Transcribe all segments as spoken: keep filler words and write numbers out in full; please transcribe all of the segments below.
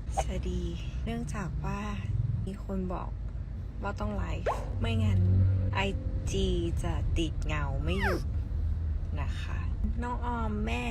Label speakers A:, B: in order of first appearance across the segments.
A: สวัสดีเนื่องจากว่ามีคนบอกว่าต้องไลฟ์ไม่งั้นไอจีจะติดเงาไม่หยุดนะคะน้องออมแม่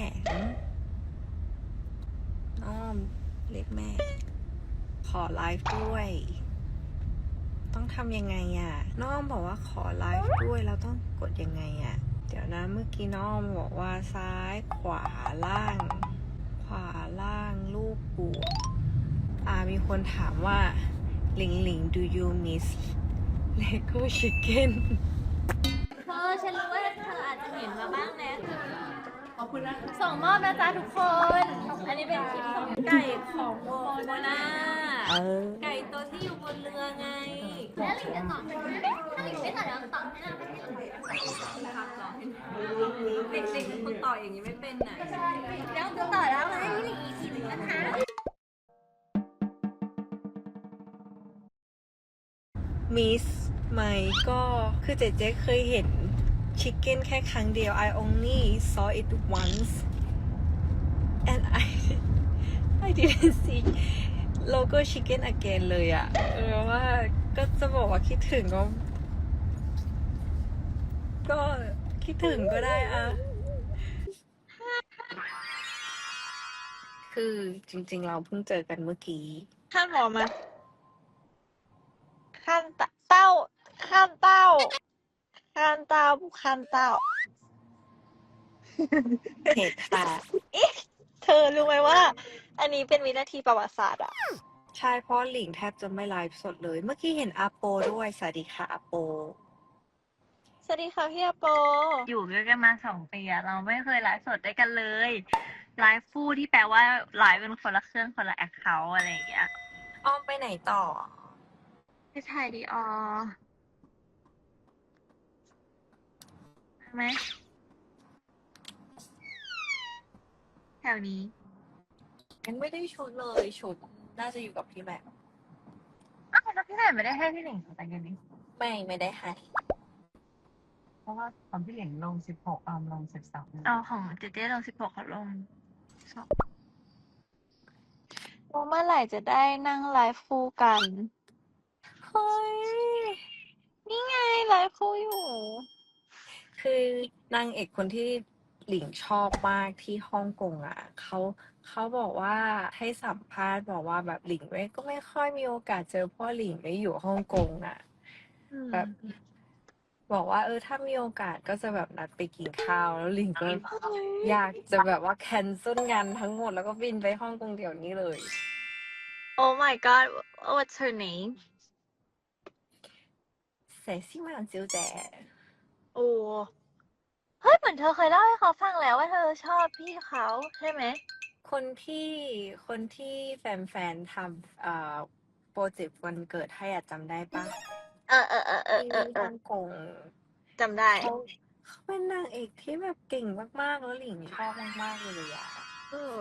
A: น้องออมเรียกแม่ขอไลฟ์ด้วยต้องทำยังไงอ่ะน้องออมบอกว่าขอไลฟ์ด้วยแล้วต้องกดยังไงอ่ะเดี๋ยวนะเมื่อกี้น้องออมบอกว่าซ้ายขวาล่างขวาล่างลูกบวกอ่ามีคนถามว่าหลิงหลิง do you miss Lego Chicken
B: เธอฉันรู้ว่าเธออาจจะเห็นมาบ้างนะขอบคุณนะส่งมอบนะจ๊ะทุกคน อันนี้เป็นคลิปส่งไก่ของโมโมนา
A: เออ
B: ไก่ตัวที่อยู่บนเรือไง แล้วหลิงจะตอบถ้าหลิงไม่ตอบแล้วตอบให้นะให้หลิงเด็กๆเป็นคนต่ออย่างนี้ไม่เป็นไหนแล้วจะต่อแล้วให้หลิงอีกทีหนึ่งนะคะ
A: มิสไหมก็คือเจ๊เจ๊เคยเห็นชิคเก้นแค่ครั้งเดียว I only saw it once and I I didn't see logo chicken again เลยอะเออว่าก็จะบอกว่าคิดถึงก็ ก็คิดถึงก็ได้อะคือจริงๆเราเพิ่งเจอกันเมื่อกี้
C: ข้ามหมอมาข้ามตะเต้าข้ามเต้าข้ามเต้าข้ามเต้า
A: เหตุค่ะ
C: เธอรู้ไหมว่า อันนี้เป็นวินาทีประวัติศาสตร์อะ
A: ใช่เพราะหลิงแทบจะไม่ไลฟ์สดเลย เมื่อกี้เห็นอาโปด้วย สวัสดีค่ะอาโป
C: สวัสดีค่ะพี่อโป
D: อยู่ด้วยกันมาสองปีอะเราไม่เคยไลฟ์สดด้วยกันเลยไลฟ์คู่ที่แปลว่าไลฟ์เป็นคนละเครื่องคนละแอคเคาท์อะไรอย่างเงี้ย
A: อ้อมไปไหนต่อ
D: ไปถ่ายดีออใช่ไหมแถวนี้
A: ยังไม่ได้ชุดเลยชุดน่าจะอยู่กับพี่แม็ก
D: อ้าวแล้วพี่ไหนไม่ได้ให้พี่หลิงแต่งกันนี้
A: ไม่ไม่ได้ให้
E: เพราะว่าตอนพี่เหล่งลงสิบหกออมลงสิบสอง
D: เอาของเจเจลงสิบหกเขาลงสอง
C: เมื่อไหร่จะได้นั่งไลฟ์คู่กัน
A: เฮ้ย
C: นี่ไงไลฟ์คู่อยู่
A: คือนางเอกคนที่หลิงชอบมากที่ฮ่องกงอ่ะเขาเขาบอกว่าให้สัมภาษณ์บอกว่าแบบหลิงไม่ก็ไม่ค่อยมีโอกาสเจอพ่อหลิงได้อยู่ฮ่องกงอ่ะ แบบ บอกว่าเออถ้ามีโอกาสก็จะแบบนัดไปกินข้าวแล้วหลิงก็อยากจะแบบว่าแคนเซิลงานทั้งหมดแล้วก็บินไปฮ่องกงเดี๋ยวนี้เลย
C: Oh my god what's her name
A: เสซี่มาจิวแจ
C: โอ้เฮ้ยเหมือนเธอเคยเล่าให้เขาฟังแล้วว่าเธอชอบพี่เขาใช่ไหม
A: คนที่คนที่แฟนๆทำเอ่อโปรเจกต์วันเกิดให้อะจำได้ปะ
C: เออเออเออเออ
A: ที่
C: เออเอ
A: ฮ่
C: อ
A: องกง
C: จำได้
A: เขาเขาเป็นนางเอกที่แบบเก่งมากๆแล้วหลิงชอบมากๆเลยอะ
C: เออ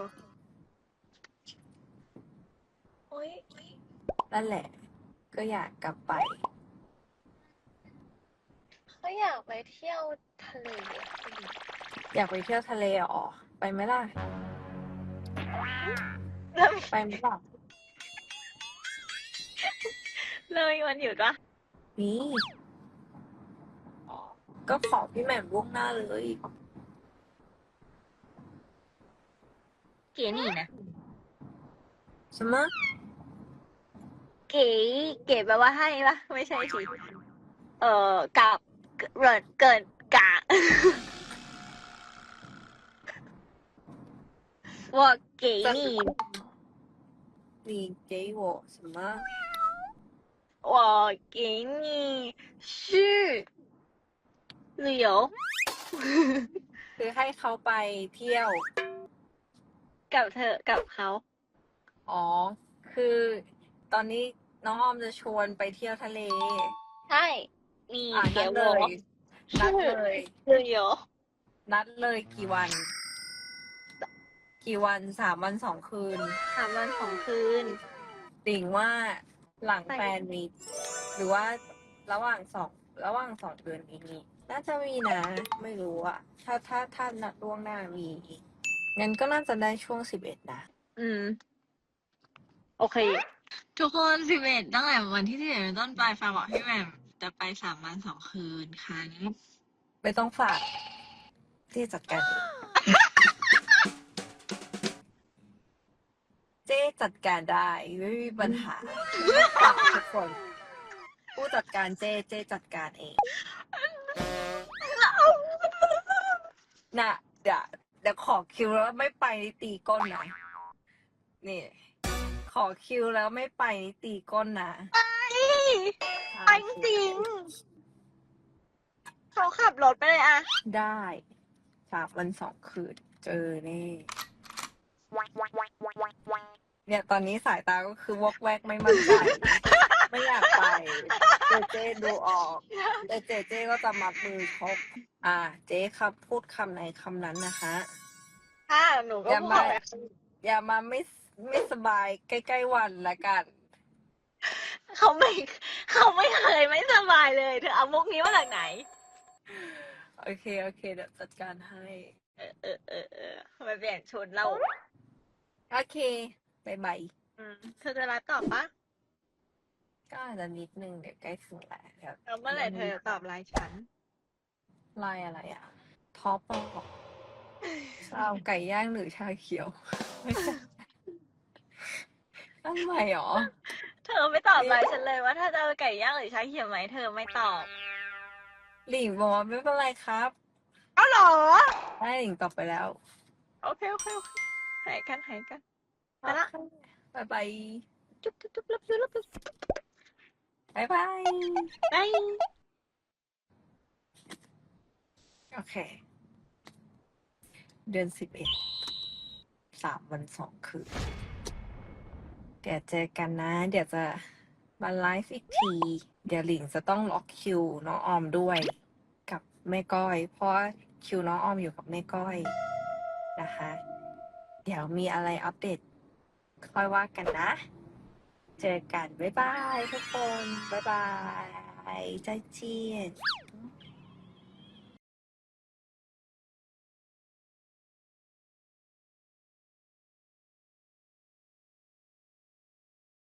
C: โอ้ย
A: นั่นแหละ ก็อยากกลับไป
C: เขาอยากไปเที่ยวทะเลอะ
A: อยากไปเที่ยวทะเลอ๋อไปไหมล่ะ
C: แล้ว
A: ไปไหมล่ะ
C: เลยวันหยุดปะ
A: นี่ก็ขอพี่แหม่มล่วงหน้าเลย
C: เก๋นี่นะ
A: ใช่ไหม
C: เก๋เก๋แปลว่าให้ปะไม่ใช่สิเออกับเกิดเกิดกะ ว่าเก๋นี่
A: 你给我什么
C: ว่าเก๋นี่ชื่อ旅游
A: คือให้เขาไปเที่ยว
C: กับเธอกับเขา
A: อ๋อ คือตอนนี้น้องออมจะชวนไปเที่ยวทะเล
C: ใช่你
A: อ่ะนั
C: 给
A: ดเล
C: 我
A: ย นัดเลย
C: 旅游
A: นัดเลยกี่วัน กี่วันสามวันสองคืน
C: สามวันสองคืน
A: ติ่งว่าหลัง
C: ไป
A: แฟนมีตหรือว่าระหว่างสองระหว่างสองเดือนนี้ น่าจะมีนะ ไม่รู้อะถ้าถ้าถ้านัดล่วงหน้ามีงั้นก็น่าจะได้ช่วงสิบเอ็ดนะ
C: อืมโอเค
D: ทุกคนสิบเอ็ดตั้งแต่วันที่สิบเอ็ดเป็นต้นไปฟ้าบอกพี่แหม่มจะไปสามวันสองคืนครับ
A: ไม่ต้องฝากที่จัดการเองเจ๊จัดการได้ไม่มีปัญหาฝากทุกคน ผู้จัดการเจ๊เจ๊จัดการเองน่ะเดี๋ยวเดี๋ยวขอคิวแล้วไม่ไปนี่ตีก้นนะนี่ ขอคิวแล้วไม่ไปนี่ตีก้นนะ
C: ไปจริงเขาขับรถไปเลยอะ
A: ได้สามวันสองคืนเจอแน่เนี่ยตอนนี้สายตาก็คือวอกแวกไม่มั่นใจ ไม่อยากไปเจเจดูออกแต่เจเจก็จะมัดมือชกอ่า เจ๊ครับพูดคำไหนคำนั้นนะคะ
C: ค่ะหนูก็
A: อย่า
C: พูด
A: มา
C: ไป
A: อย่ามาไม่ไม่สบายใกล้ๆวันละกัน
C: เขาไม่เขาไม่เคยไม่สบายเลย เธอเอามุกนี้มาจากไหน
A: โอเค โอเค เดี๋ยวจัดการให้
C: เออเออเออเออไปเปลี่ยนชุดเรา
A: โอเคบายบาย
C: อืมเธอจะรับตอบปะ
A: ก็อาจจะนิดนึงเดี๋ยวใกล้ถึงแล้วเดี๋ยว
C: แล้วเมื่อไหร่เธอจะตอบไลน์ฉัน
A: ไลายอะไรอ่ะ ท็อปบอก ชาไก่ย่างหรือชาเขียว ไม่ใช่ทำไมหรอ
C: เธอไม่ตอบไลน์ฉันเลยว่าถ้าจะเอาไก่ย่างหรือชาเขียวไหมเธอไม่ตอบ
A: หลิงบอกว่าไม่เป็นไรครับ
C: เอาเหรอ
A: ได้หลิงตอบไปแล้ว
C: โอเคโอเคโอเคหายกันหายกัน ไปละ
A: บายบาย
C: จุ๊บจุ๊บจุ๊บรับจุ๊บรับจุ๊บบ
A: ายบาย
C: บาย
A: โอเค เดือนสิบเอ็ดสามวันสองคืน เดี๋ยวเจอกันนะ เดี๋ยวจะมาไลฟ์อีกที เดี๋ยวหลิงจะต้องล็อกคิวน้องออมด้วย กับแม่ก้อย เพราะว่าคิวน้องออมอยู่กับแม่ก้อยนะคะ เดี๋ยวมีอะไรอัปเดตค่อยว่ากันนะ เจอกัน บ๊ายบายทุกคน บ๊ายบายใจเจียน